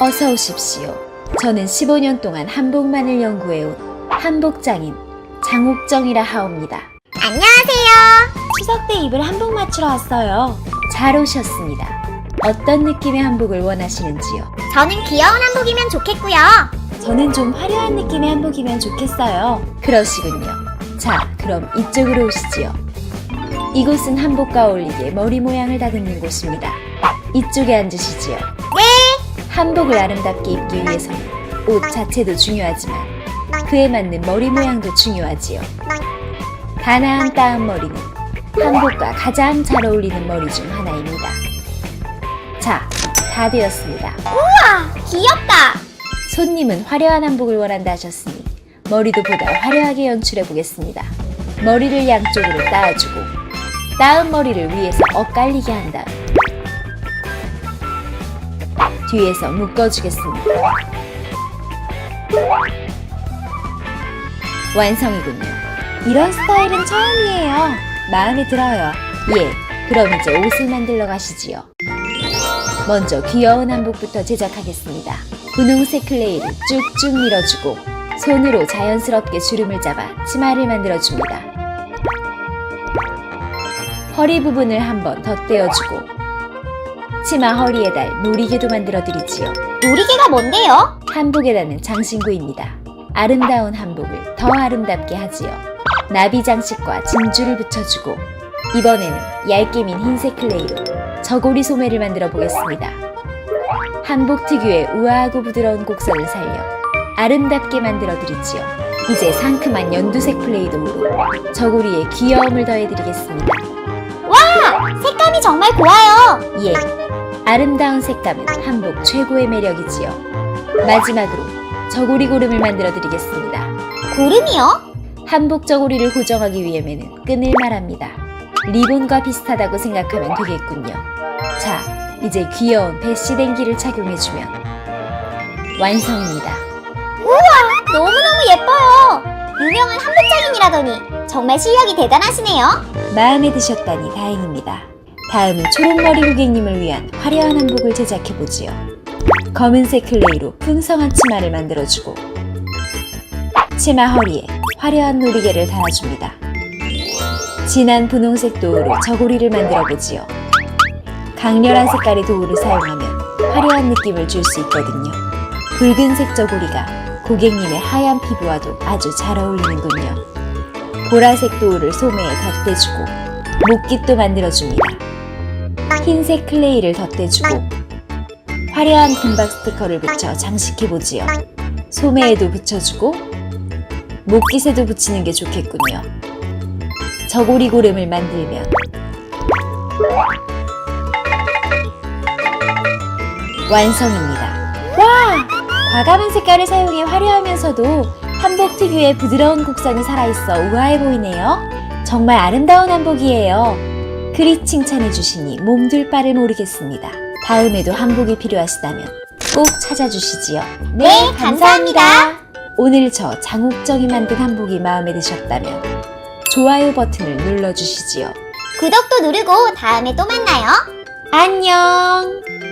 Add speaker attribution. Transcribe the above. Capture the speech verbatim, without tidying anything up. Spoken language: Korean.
Speaker 1: 어서 오십시오. 저는 십오 년 동안 한복만을 연구해온 한복장인 장옥정이라 하옵니다.
Speaker 2: 안녕하세요.
Speaker 1: 추석 때 입을 한복 맞추러 왔어요. 잘 오셨습니다. 어떤 느낌의 한복을 원하시는지요?
Speaker 2: 저는 귀여운 한복이면 좋겠고요.
Speaker 1: 저는 좀 화려한 느낌의 한복이면 좋겠어요. 그러시군요. 자, 그럼 이쪽으로 오시지요. 이곳은 한복과 어울리게 머리 모양을 다듬는 곳입니다. 이쪽에 앉으시지요.
Speaker 2: 네.
Speaker 1: 한복을 아름답게 입기 위해서는 옷 자체도 중요하지만 그에 맞는 머리 모양도 중요하지요. 가나한 따은 머리는 한복과 가장 잘 어울리는 머리 중 하나입니다. 자, 다 되었습니다.
Speaker 2: 우와, 귀엽다.
Speaker 1: 손님은 화려한 한복을 원한다 하셨으니 머리도 보다 화려하게 연출해 보겠습니다. 머리를 양쪽으로 따아주고 따은 머리를 위에서 엇갈리게 한 다음 뒤에서 묶어주겠습니다. 완성이군요. 이런 스타일은 처음이에요. 마음에 들어요. 예, 그럼 이제 옷을 만들러 가시지요. 먼저 귀여운 한복부터 제작하겠습니다. 분홍색 클레이를 쭉쭉 밀어주고 손으로 자연스럽게 주름을 잡아 치마를 만들어줍니다. 허리 부분을 한번 덧대어주고 치마 허리에 달 놀이개도 만들어드리지요.
Speaker 2: 놀이개가 뭔데요?
Speaker 1: 한복에 다는 장신구입니다. 아름다운 한복을 더 아름답게 하지요. 나비 장식과 진주를 붙여주고 이번에는 얇게 민 흰색 클레이로 저고리 소매를 만들어 보겠습니다. 한복 특유의 우아하고 부드러운 곡선을 살려 아름답게 만들어 드리지요. 이제 상큼한 연두색 플레이도우로 저고리에 귀여움을 더해드리겠습니다.
Speaker 2: 와, 색감이 정말 고와요.
Speaker 1: 예, 아름다운 색감은 한복 최고의 매력이지요. 마지막으로 저고리 고름을 만들어 드리겠습니다.
Speaker 2: 고름이요?
Speaker 1: 한복 저고리를 고정하기 위해서는 끈을 말합니다. 리본과 비슷하다고 생각하면 되겠군요. 자, 이제 귀여운 배시댕기를 착용해주면 완성입니다.
Speaker 2: 우와, 너무너무 예뻐요. 유명한 한복장인이라더니 정말 실력이 대단하시네요.
Speaker 1: 마음에 드셨다니 다행입니다. 다음은 초록머리 고객님을 위한 화려한 한복을 제작해보지요. 검은색 클레이로 풍성한 치마를 만들어주고 치마 허리에 화려한 놀이개를 달아줍니다. 진한 분홍색 도우로 저고리를 만들어보지요. 강렬한 색깔의 도우를 사용하면 화려한 느낌을 줄 수 있거든요. 붉은색 저고리가 고객님의 하얀 피부와도 아주 잘 어울리는군요. 보라색 도우를 소매에 덧대주고 목깃도 만들어줍니다. 흰색 클레이를 덧대주고 화려한 금박 스티커를 붙여 장식해보지요. 소매에도 붙여주고 목깃에도 붙이는 게 좋겠군요. 저고리 고름을 만들면 완성입니다. 와! 과감한 색깔을 사용해 화려하면서도 한복 특유의 부드러운 곡선이 살아있어 우아해 보이네요. 정말 아름다운 한복이에요. 그리 칭찬해 주시니 몸둘 바를 모르겠습니다. 다음에도 한복이 필요하시다면 꼭 찾아주시지요.
Speaker 2: 네, 감사합니다.
Speaker 1: 오늘 저 장옥정이 만든 한복이 마음에 드셨다면 좋아요 버튼을 눌러주시지요.
Speaker 2: 구독도 누르고 다음에 또 만나요.
Speaker 1: 안녕!